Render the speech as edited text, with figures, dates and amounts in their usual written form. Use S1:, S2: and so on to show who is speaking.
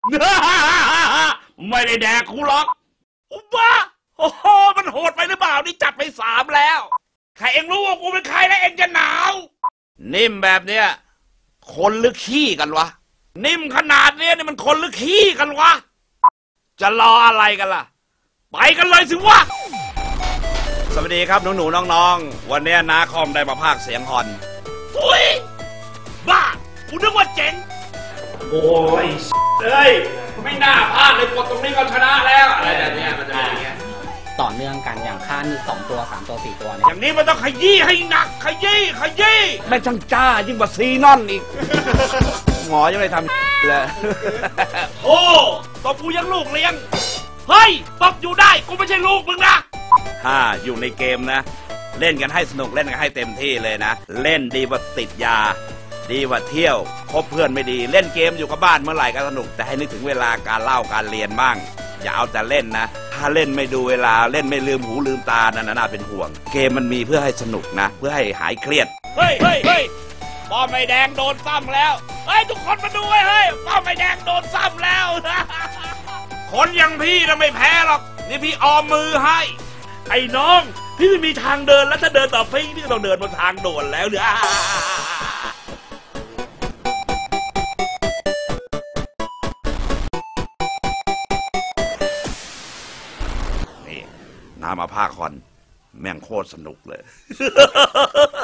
S1: ไม่ได้แดกกูหรอกอุ๊บ้าโอ้โหมันโหดไปหรือเปล่านี่จัดไป3แล้วใครเองรู้ว่ากูเป็นใครแล้วเองจะหนาวนิ่มแบบเนี้ยคนหรือขี้กันวะนิ่มขนาดเนี้ยนี่มันคนหรือขี้กันวะจะรออะไรกันล่ะไปกันเลยสิวะสวัสดีครับหนูๆน้องๆวันนี้นาคอมได้มาพากย์เสียงฮอนอุ้ยบ้ากูนึกว่าเจ๋งโอ้ยเอ้ยไม่น่าพลาดเลยกดตรงนี้ก็ชนะแล้วอะไรแบบนี้มันจะเป็นอย่างเงี้ย
S2: ต่อเนื่องกันอย่างค่านี่2 ตัว 3 ตัว 4 ตัวเนี่ย
S1: อย่างนี้มันต้องขยี้ให้หนักขยี้แม่ช่างจ้ายิ่งกว่าซีนอนอีกหมอยังไม่ทำเลยโอ้ตบกูยังลูกเลี้ยงเฮ้ยตบอยู่ได้กูไม่ใช่ลูกมึงนะอยู่ในเกมนะเล่นกันให้สนุกเล่นกันให้เต็มที่เลยนะเล่นดีกว่าติดยาดีกว่าเที่ยวคบเพื่อนไม่ดีเล่นเกมอยู่กับบ้านเมื่อไหร่ก็สนุกแต่ให้นึกถึงเวลาการเล่าการเรียนบ้างอย่าเอาแต่เล่นนะถ้าเล่นไม่ดูเวลาเล่นไม่ลืมหูลืมตานั่นน่าเป็นห่วงเกมมันมีเพื่อให้สนุกนะเพื่อให้หายเครียดเฮ้ยป้อมไม่แดงโดนซ้ำแล้วเฮ้ยทุกคนมาดูเฮ้ยป้อมไม่แดงโดนซ้ำแล้วคนอย่างพี่น่ะไม่แพ้หรอกนี่พี่ออมมือให้ไอ้น้องพี่ไม่มีทางเดินแล้วถ้าเดินต่อพี่ก็ต้องเดินบนทางโดนแล้วเนี่ยนี่น้ามาภาคคอนแม่งโคตรสนุกเลย